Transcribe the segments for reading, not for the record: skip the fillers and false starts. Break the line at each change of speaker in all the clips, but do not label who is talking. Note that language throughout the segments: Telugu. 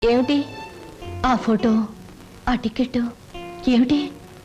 ఏమిటి?
ఆ ఫోటో, ఆ టికెట్ ఏమిటి?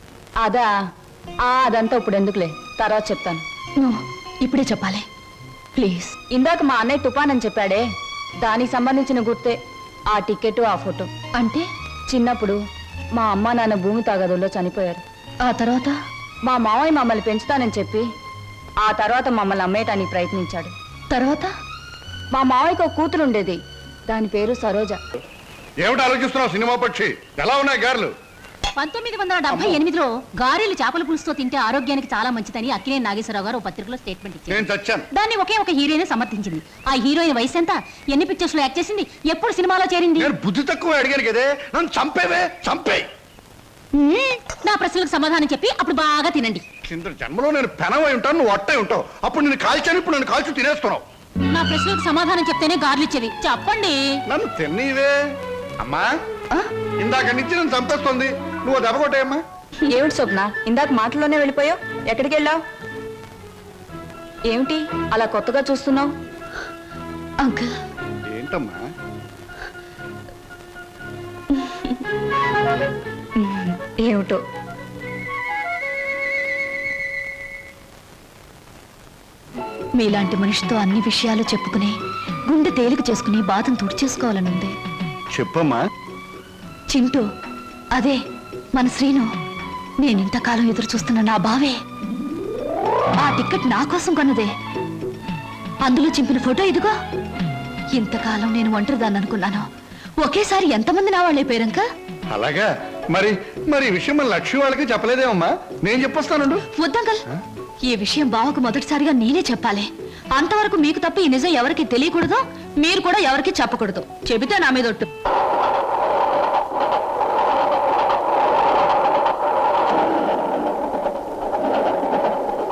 అదంతా ఇప్పుడు ఎందుకులే, తర్వాత చెప్తాను.
ఇప్పుడే చెప్పాలి ప్లీజ్.
ఇందాక మా అన్నయ్య తుఫాన్ అని చెప్పాడే, దానికి సంబంధించిన గుర్తే ఆ టికెట్, ఆ ఫోటో.
అంటే
చిన్నప్పుడు మా అమ్మ నాన్న భూమి తాగదుల్లో చనిపోయారు.
ఆ తర్వాత
మా మావయ్య మమ్మల్ని పెంచుతానని చెప్పి ఆ తర్వాత మమ్మల్ని అమ్మేయటానికి ప్రయత్నించాడు.
తర్వాత
మా మావయ్యకు ఒక కూతురు ఉండేది, దాని పేరు సరోజ.
ఏమిటి ఆలోచిస్తున్నావు సినిమా పక్షి? ఎలా ఉన్నాయి గారెలు?
1978లో గారెలు చేపల పులుసుతో తింటే ఆరోగ్యానికి చాలా మంచిదని అక్కినేని నాగేశ్వరరావు గారు పత్రికలో స్టేట్మెంట్ ఇచ్చారు.
నేను చచ్చాను.
దాన్ని ఒకే ఒక హీరోయిన్ సమర్థించింది. ఆ హీరోయిన్ వయసు ఎంత, ఎన్ని పిక్చర్స్ లో యాక్ట్ చేసింది, ఎప్పుడు సినిమాలో చేరింది?
నేను బుద్ధి తక్కువ అడిగాను కదే, నన్ను చంపేవే, చంపే.
నా ప్రశ్నలకు సమాధానం చెప్పి అప్పుడు బాగా తినండి.
కింద జన్మలో నేను పెనవై ఉంటాను, నువ్వు అట్టై ఉంటావు. అప్పుడు నేను కాల్చాను, ఇప్పుడు నన్ను కాల్చి తినేస్తున్నావు.
నా ప్రశ్నలకు సమాధానం చెప్తేనే గార్లు ఇచ్చేవి. చెప్పండి.
నన్ను తిన్నీవే అమ్మా. ఇందాక నుంచి నన్ను చంపేస్తుంది, నువ్వు దెబ్బ కొట్టేయమ్మా.
ఏమిటి స్వప్న, ఇందాక మాటల్లోనే వెళ్ళిపోయావు? ఎక్కడికి వెళ్ళావు? ఏమిటి అలా కొత్తగా చూస్తున్నావు?
అంకుల్,
ఏంటమ్మా?
ఏమిటో
మీలాంటి మనిషితో అన్ని విషయాలు చెప్పుకుని గుండె తేలిక చేసుకుని బాధను తుడిచేసుకోవాలనుంది.
చెప్పమ్మా.
చింటూ, అదే మన శ్రీను. నేనింతకాలం ఎదురు చూస్తున్న నా బావే. ఆ టికెట్ నా కోసం కొన్నదే. అందులో చింపిన ఫోటో ఇదిగో. ఇంతకాలం నేను ఒంటరిదాన్ని అనుకున్నాను, ఒకేసారి ఎంతమంది నా వాళ్ళైపోయారంక.
అలాగా? మరి మరి ఈ విషయం మన లక్ష్మి వాళ్ళకి చెప్పలేదేమమ్మా? నేను చెప్పొస్తాను.
వద్దంకల్, ఈ విషయం బావకు మొదటిసారిగా నేనే చెప్పాలి. అంతవరకు మీకు తప్ప ఈ నిజం ఎవరికి తెలియకూడదు, మీరు కూడా ఎవరికి చెప్పకూడదు. చెబితే నా మీద ఒట్టు.